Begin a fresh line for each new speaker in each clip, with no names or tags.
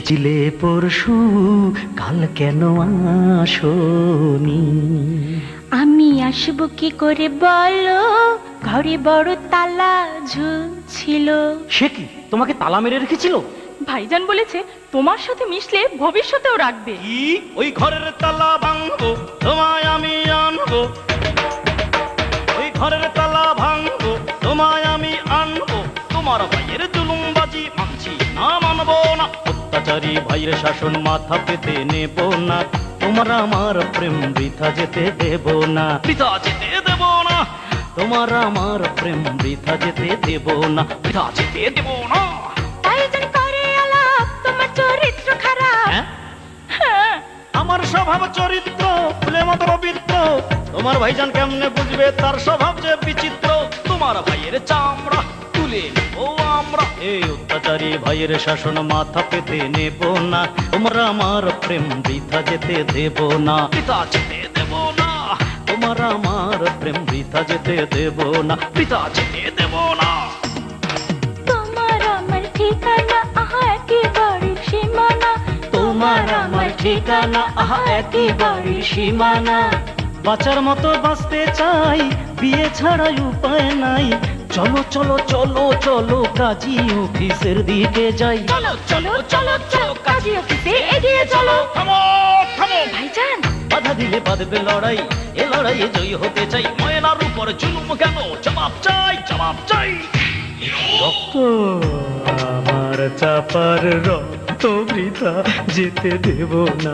ছিলে পরশু, কাল কেন আসোনি?
আমি আসবো কি করে বলো, ঘরে বড় তালা ঝুলছিল।
সে কি, তোমাকে তালা মেরে রেখেছিল?
ভাইজান বলেছে তোমার সাথে মিশলে ভবিষ্যতেও রাখবে।
কি? ওই ঘরের তালা ভাঙবো, তোমায় আমি আনবো। ওই ঘরের তালা ভাঙবো, তোমায় আমি আনবো। তোমার ভাইয়ের জুলুমবাজি মানছি না, মানবো না। অত্যাচারী ভাইয়ের শাসন মাথা পেতে নেব না। তোমার আমার প্রেম বৃথা যেতে দেব না, বৃথা যেতে দেব না। তোমার আমার প্রেম বৃথা যেতে দেব না, বৃথা যেতে দেব না।
ভাইজান করে আলাপ, তোমার চরিত্র খারাপ। হ্যাঁ,
আমার স্বভাব চরিত্র ফুলে মতো পবিত্র। তোমার ভাইজান কেমনে বুঝবে তার স্বভাব যে বিচিত্র? তোমার ভাইয়ের চামড়া তুলে নেবো আমরা। এই অত্যাচারী ভাইয়ের শাসন মাথা পেতে নেব না। তোমরা আমার প্রেম বৃথা যেতে দেব না, বৃথা যেতে দেব না। তোমার আমার প্রেম বৃথা যেতে দেব না, বৃথা যেতে দেব না।
তোমার আমার ঠিকানা আহা একেবারে সীমানা।
তোমার আমার ঠিকানা আহা একেবারে সীমানা। বাঁচার মতো বাঁচতে চাই, বিয়ে ছাড়াই উপায় নাই। চলো চলো চলো চলো কাজী অফিসের দিকে যাই।
চলো চলো চলো চলো কাজী অফিসে এগিয়ে চলো।
থামো থামো,
ভাইজান
বাধা দিলে বাঁধবে লড়াই। এ লড়াইয়ে জয়ী হতে চাই। ময়নার উপর জুলুম কেন, জবাব চাই, জবাব চাই। রক্ত আমার চাপার রক্ত বৃথা যেতে দেব না।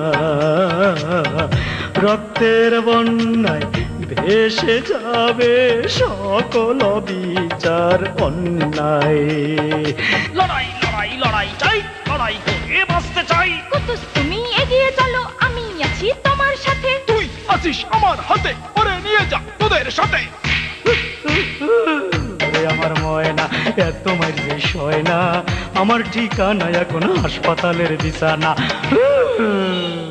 রক্তের বন্যায় ভেসে যাবে সকল বিচার অন্যায়। লড়াই লড়াই লড়াই চাই, লড়াই করে বাঁচতে চাই।
কুতুস তুমি এগিয়ে চলো, আমি আছি তোমার সাথে।
তুই আসিস আমার হাতে, ওরে নিয়ে যা তোদের সাথে।
আমার ময়না এত মার যে সয় না। আমার ঠিকানা এখন হাসপাতালের বিছানা।